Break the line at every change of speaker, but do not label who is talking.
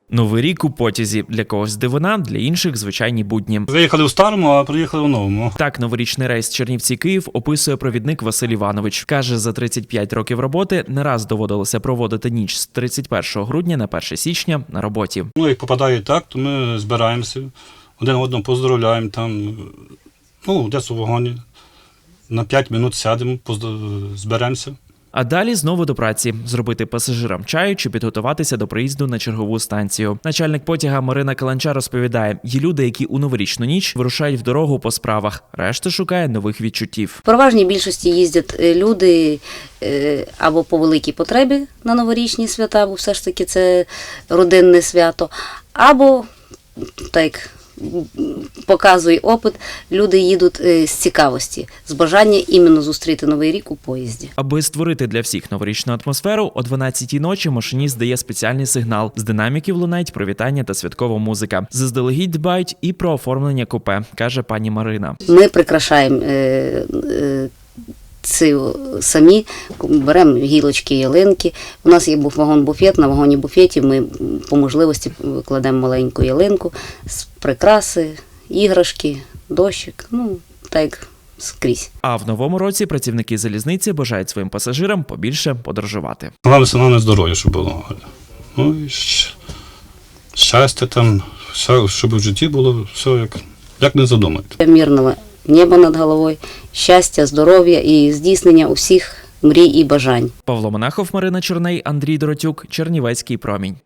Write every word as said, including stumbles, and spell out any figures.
Новий рік у потязі. Для когось дивина, для інших – звичайні будні.
Виїхали у старому, а приїхали у новому.
Так новорічний рейс Чернівці-Київ описує провідник Василь Іванович. Каже, за тридцять п'ять років роботи не раз доводилося проводити ніч з тридцять першого грудня на перше січня на роботі.
Ну, як попадає так, то ми збираємося, один одного поздоровляємо там, ну, десь у вагоні. На п'ять минут сядемо, зберемося.
А далі знову до праці – зробити пасажирам чаю чи підготуватися до приїзду на чергову станцію. Начальник потяга Марина Каланча розповідає, є люди, які у новорічну ніч вирушають в дорогу по справах, решта шукає нових відчуттів.
В переважній більшості їздять люди або по великій потребі на новорічні свята, бо все ж таки це родинне свято, або, так показує опит, люди їдуть з цікавості, з бажання іменно зустріти Новий рік у поїзді.
Аби створити для всіх новорічну атмосферу, о дванадцятій ночі машиніст дає спеціальний сигнал. З динаміків лунають привітання та святкова музика. Заздалегідь дбають і про оформлення купе, каже пані Марина.
Ми прикрашаємо е, е, Ці самі, беремо гілочки, ялинки. У нас є вагон-буфет, на вагоні-буфеті ми по можливості кладемо маленьку ялинку, прикраси, іграшки, дощик, ну, так як скрізь.
А в новому році працівники залізниці бажають своїм пасажирам побільше подорожувати.
Головне, саме здоров'я, щоб було. Ну, і щастя там, все, щоб в житті було все, як, як не задумати.
Мирного небо над головою, щастя, здоров'я і здійснення усіх мрій і бажань.
Павло Монахов, Марина Чорней, Андрій Доротюк, Чернівецький промінь.